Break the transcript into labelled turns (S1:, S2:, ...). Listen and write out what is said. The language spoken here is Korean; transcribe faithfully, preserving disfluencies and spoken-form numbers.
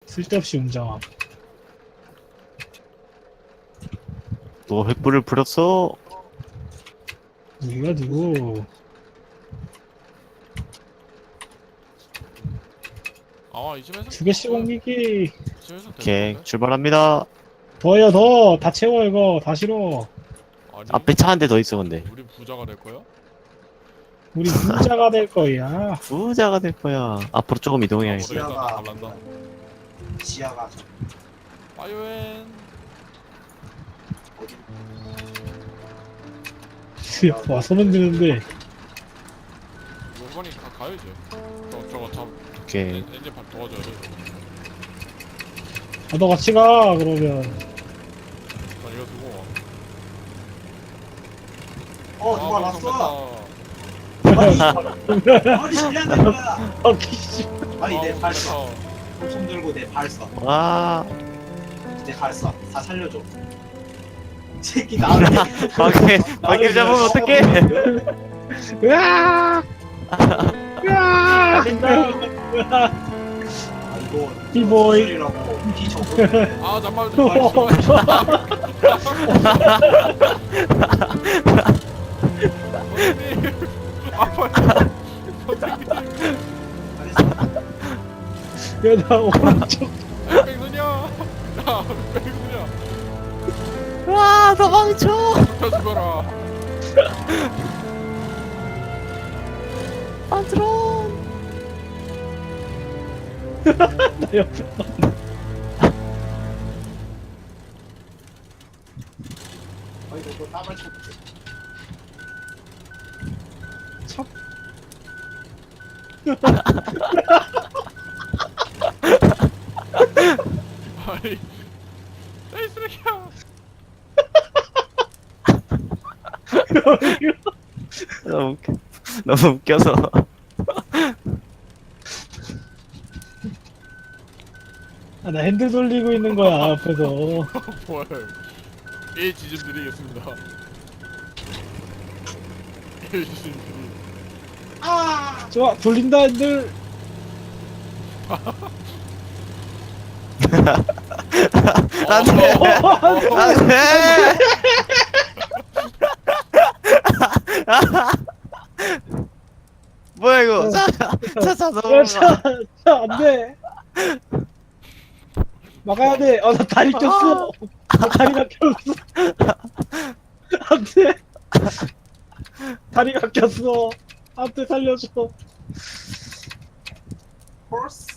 S1: 쓸데없이 웅장함.
S2: 또 횃불을 부렸어.
S1: 누가 누구?
S3: 아 이쯤에서
S1: 두 개씩 옮기기.
S3: 이쯤에서 되는
S2: 오케이,
S3: 건데?
S2: 출발합니다.
S1: 더요 더. 다 채워 이거. 다 실어.
S3: 아니
S2: 앞에 차 한 대 더 있어, 근데.
S3: 우리 부자가 될 거야?
S1: 우리 부자가 될 거야.
S2: 부자가 될 거야. 앞으로 조금 이동해야겠어.
S3: 모르겠다. 나
S4: 지하가
S3: 갈란다.
S4: 지하가 저
S3: 파이어엔
S4: 어디
S1: 와 소문 드는데.
S3: 요번이 가 가야지. 저 저거 잡
S2: 오케이.
S3: 엔- 엔진 밥 도와줘야 돼.
S1: 아, 너 같이 가 그러면.
S3: 난 이거 두고 와.
S4: 어
S3: 아,
S4: 누가
S3: 방송
S4: 왔어
S3: 됐다.
S4: 아니 실례한 거야
S1: 어 기씨.
S4: 아니
S3: 아,
S4: 내 발
S3: 됐다.
S4: 써. 손 들고 내 발 써.
S2: 와.
S4: 내 발 써. 다 살려줘. 이 새끼 나한테
S2: 밖에, 밖에 잡으면 어떡해.
S1: 으아! 으아!
S4: 아 이거
S1: 비보이.
S4: 소리라고 비정보
S3: 아 잠깐만. 선생님. 아 빨리. 선생님.
S1: 야나 오른쪽.
S3: 백누냐. 나 백누냐.
S2: 와, 도망쳐.
S3: 저 죽어라.
S2: 안트론.
S1: 나 옆에.
S4: 아 이거 뭐 땀을 쳐볼게
S1: 참.
S3: 아니. 에이 쓰레기야.
S2: 너무 웃겨. 너무 웃겨서.
S1: 아, 나 핸들 돌리고 있는 거야 앞에서.
S3: 뭐야? 예 지좀 드리겠습니다. 예 지좀 드리.
S1: 좋아 돌린다 핸들.
S2: 안돼. 안돼. 뭐야 이거? 차, 차 자동으로 가.
S1: 야차차 안돼. 막아야 돼. 어나 다리 꼈어. 나 다리가 꼈어. 안돼. 다리가 꼈어. 안돼 살려줘.
S4: 홀스